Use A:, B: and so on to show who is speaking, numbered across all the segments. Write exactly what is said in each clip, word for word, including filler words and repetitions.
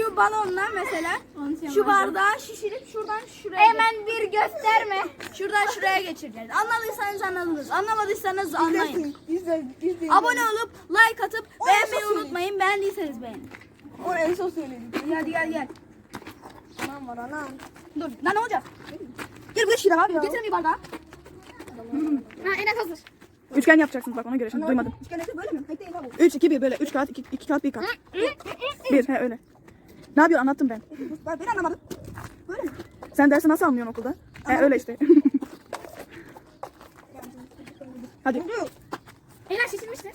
A: şu balonla mesela şu bardağı şişirip şuradan şuraya
B: Hemen bir gösterme.
A: şuradan şuraya geçireceğiz. Anladıysanız anladınız. Anlamadıysanız anlayın.
C: İzle, izle.
A: Abone olup like atıp
C: O
A: beğenmeyi
C: nasıl
A: unutmayın. Beğendiyseniz beğenin.
C: O en son söyledik.
A: Hadi gel gel.
C: Anam var anam.
A: Dur. Lan ne olacak?
C: Gel buraya şirin abi ya.
A: Getirin bir bardağı.
B: Ha Enes hazır.
D: Üçgen yapacaksınız bak ona göre şimdi duymadım.
C: Üçgen ekmek böyle mi? Hayır değil abi.
D: üç, iki, bir böyle. üç kağıt, iki kağıt, bir kağıt. bir, he öyle. Ne yapıyorsun anlattım ben.
C: Ben, ben anlamadım. Böyle mi?
D: Sen dersi nasıl anlıyorsun okulda? He öyle işte. Hadi.
B: Enes şişirmişti.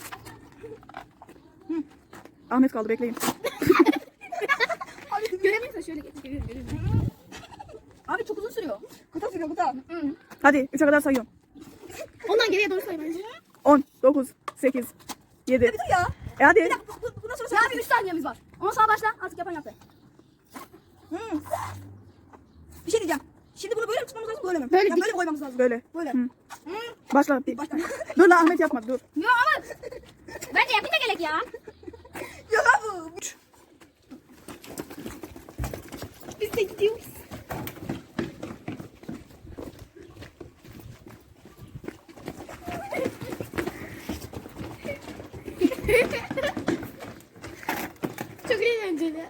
D: Ahmet kaldı bekleyin.
B: Görebilirsin şöyle geç. Görüyorum görüyorum.
A: Abi çok uzun sürüyor.
C: Kutu sürüyor kutu.
D: Hadi üçe kadar sayıyorum.
B: Ondan geriye doğru say bence.
D: on, dokuz, sekiz, yedi.
C: Dur ya.
D: E hadi.
C: Bu, bu, bundan sonra
A: Ya bir üç saniyemiz var. Ondan sonra başla. Artık yapan yaptı.
C: Hmm. Bir şey diyeceğim. Şimdi bunu böyle mi tutmamız lazım böyle mi?
B: Böyle
C: Ya
B: dik-
C: böyle mi koymamız lazım?
D: Böyle.
C: Böyle.
D: Hı. Başla. Bir-
C: Başla.
D: Dur lan Ahmet yapma dur.
B: Yok ama bence yapınca gerek ya.
C: Yok abi.
B: Biz de gidiyoruz. Çok eğlenceli.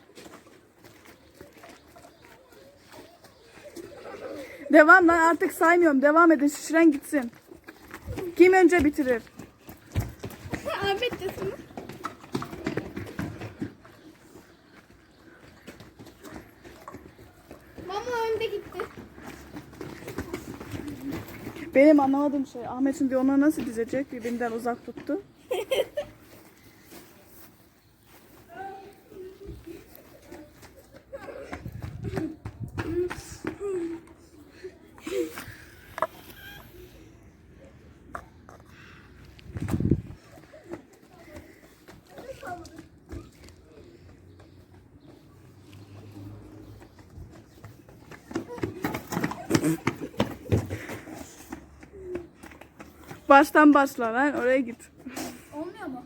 D: Devam lan artık saymıyorum. Devam edin şişiren gitsin. Kim önce bitirir?
B: Ahmet de sana. Mama önde gitti.
D: Benim anlamadığım şey Ahmet şimdi onları nasıl dizecek? Birbirinden uzak tuttu. Baştan başla lan oraya git.
A: Olmuyor mu?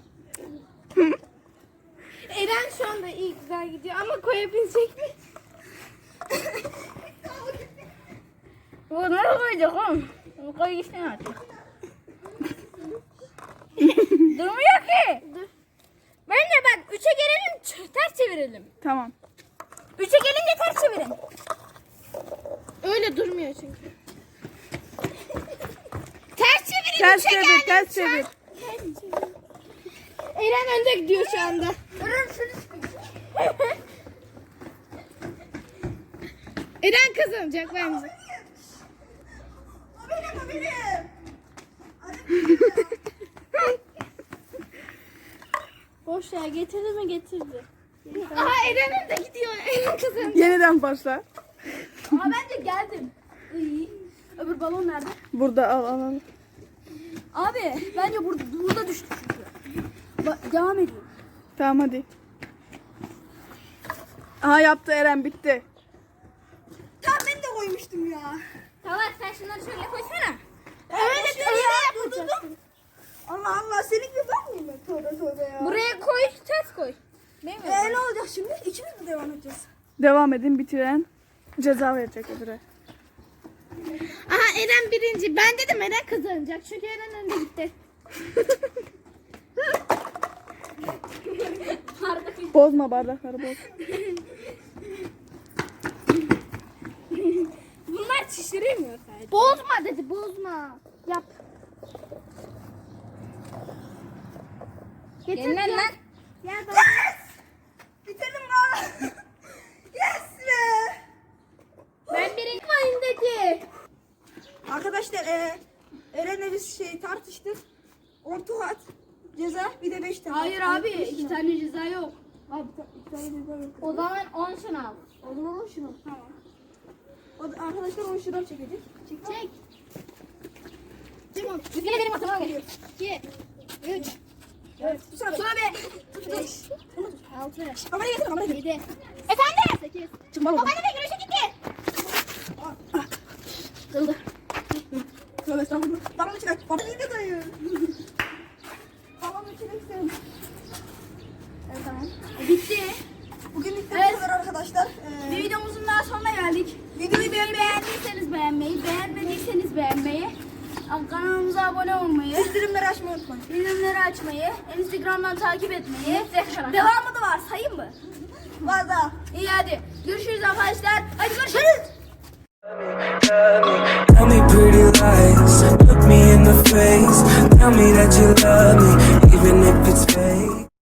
B: Eren şu anda iyi güzel gidiyor ama koyabilecek mi?
A: Bu nasıl koyacak oğlum? Bu koy gitsin artık. Durmuyor ki.
B: Bence bak üçe gelelim ç- ters çevirelim.
D: Tamam.
B: Üçe gelince ters çevirin. Öyle durmuyor çünkü. Ters çevirin.
D: Ters
B: üçe
D: çevir,
B: geldim
D: ters
B: şu an.
D: çevir.
B: Eren önde gidiyor şu anda. Eren kazanacak bence.
C: O benim o benim.
B: Boş ya getirdi mi getirdi. Aha Eren önde gidiyor. Eren kazanacak.
D: Yeniden başla.
A: Ama bence geldim. İyi. Öbür balon nerede?
D: Burada al al al.
A: Abi bence burada, burada düştü çünkü. Ba- devam ediyor.
D: Tamam hadi. Aha yaptı Eren bitti.
C: Tam ben de koymuştum ya.
B: Tamam sen şunları şöyle koysana.
C: Öyle öyle yapacaksın. Allah Allah senin gibi ben miyim ben? Tövbe tövbe ya.
B: Buraya koy ters koy. Değil mi?
C: Ee, ne olacak şimdi? İkimiz mi devam edeceğiz?
D: Devam edin bitiren ceza verecek öbüre.
B: Aha Eren birinci. Ben dedim Eren kazanacak. Çünkü Eren önde gitti.
D: Bozma bardakları boz.
B: Bunlar şişiremiyor sadece. Bozma dedi bozma. Yap. Getir
A: Gelin lan.
B: lan. Gel bak.
C: Bitirdim lan. Yes be.
B: Ben birinci mayın dedi.
C: Arkadaşlar e, Eren'le biz şey tartıştık. on tuhat ceza bir de beş tane.
A: Hayır abi iki tane ceza yok.
C: Abi ta- iki tane ceza yok.
B: O zaman on şunu al.
C: O zaman on şunu. Tamam. O da, arkadaşlar on şuradan çekecek. Çek.
B: Çek. Tamam. Yine benim atama geliyor. iki, üç,
C: Evet. Sonra be.
A: Sonra be.
C: beş.
B: altı,
C: Kamerayı getir kamerayı getir.
B: yedi. Efendim? sekiz.
D: Çıkma oğlum.
B: Babaanne de güneşe gitti.
C: Kırıldı. Tövbe estağfurullah. Babamı çıkar. Babamı da dayı. Babamı çıkarsın. Evet tamam.
A: Bitti.
C: Bugünlük de
A: Evet.
C: bu kadar arkadaşlar. arkadaşlar.
A: Bir
C: Ee,
A: videomuzun daha sonuna geldik.
C: videoyu beğenmeyi,
A: Beğendiyseniz beğenmeyi, beğenmediyseniz beğenmeyi, kanalımıza abone olmayı,
C: bildirimleri açmayı unutmayın.
A: bildirimleri açmayı, Instagram'dan takip etmeyi. Devamı da var, sayayım mı?
C: Var da.
A: İyi hadi. Görüşürüz arkadaşlar. Hadi görüşürüz.
E: Tell me pretty lies, look me in the face. Tell me that you love me.